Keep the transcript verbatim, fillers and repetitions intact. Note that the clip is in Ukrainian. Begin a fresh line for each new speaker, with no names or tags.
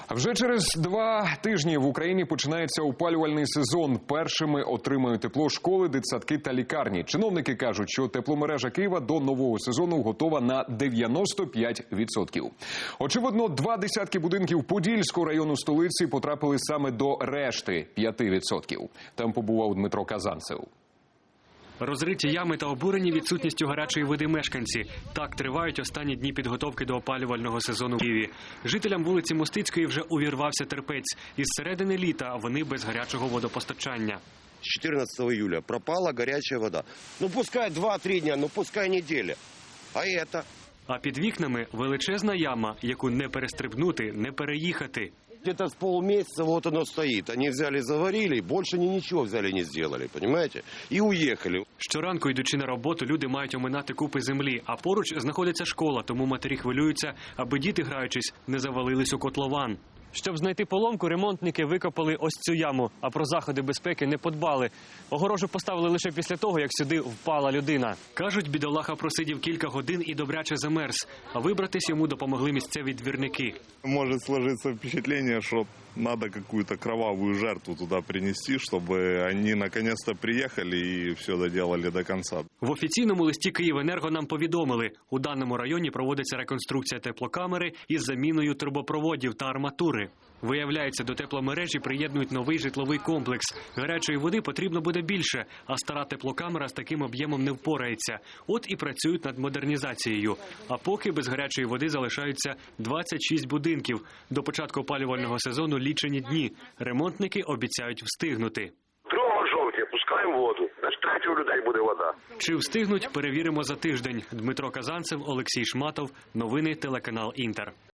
А вже через два тижні в Україні починається опалювальний сезон. Першими отримають тепло школи, дитсадки та лікарні. Чиновники кажуть, що тепломережа Києва до нового сезону готова на дев'яносто п'ять відсотків. Очевидно, два десятки будинків Подільського району столиці потрапили саме до решти п'яти відсотків. Там побував Дмитро Казанцев.
Розриті ями та обурені відсутністю гарячої води мешканці. Так тривають останні дні підготовки до опалювального сезону в Києві. Жителям вулиці Мостицької вже увірвався терпець. Із середини літа вони без гарячого водопостачання.
С четырнадцатого июля пропала горячая вода. Ну пускай два-три дня, ну пускай неделя. А это?
А під вікнами величезна яма, яку не перестрибнути, не переїхати.
Где-то с полмесяца вот оно стоит. Они взяли, заварили, больше они ничего взяли не сделали, понимаете? И уехали.
Щоранку, йдучи на роботу, люди мають оминати купи землі, а поруч знаходиться школа, тому матері хвилюються, аби діти, граючись, не завалились у котлован. Щоб знайти поломку, ремонтники викопали ось цю яму, а про заходи безпеки не подбали. Огорожу поставили лише після того, як сюди впала людина. Кажуть, бідолаха просидів кілька годин і добряче замерз, а вибратись йому допомогли місцеві двірники.
Может сложиться впечатление, что надо какую-то кровавую жертву туда принести, чтобы они наконец-то приехали и все доделали до конца.
В офіційному листі «Київенерго» нам повідомили, у даному районі проводиться реконструкція теплокамери із заміною трубопроводів та арматури. Виявляється, до тепломережі приєднують новий житловий комплекс. Гарячої води потрібно буде більше, а стара теплокамера з таким об'ємом не впорається. От і працюють над модернізацією. А поки без гарячої води залишаються двадцять шість будинків. До початку опалювального сезону лічені дні. Ремонтники обіцяють встигнути.
Дрова жовті, пускаємо воду. Значить, третє у людей буде вода.
Чи встигнуть, перевіримо за тиждень. Дмитро Казанцев, Олексій Шматов. Новини телеканал «Інтер».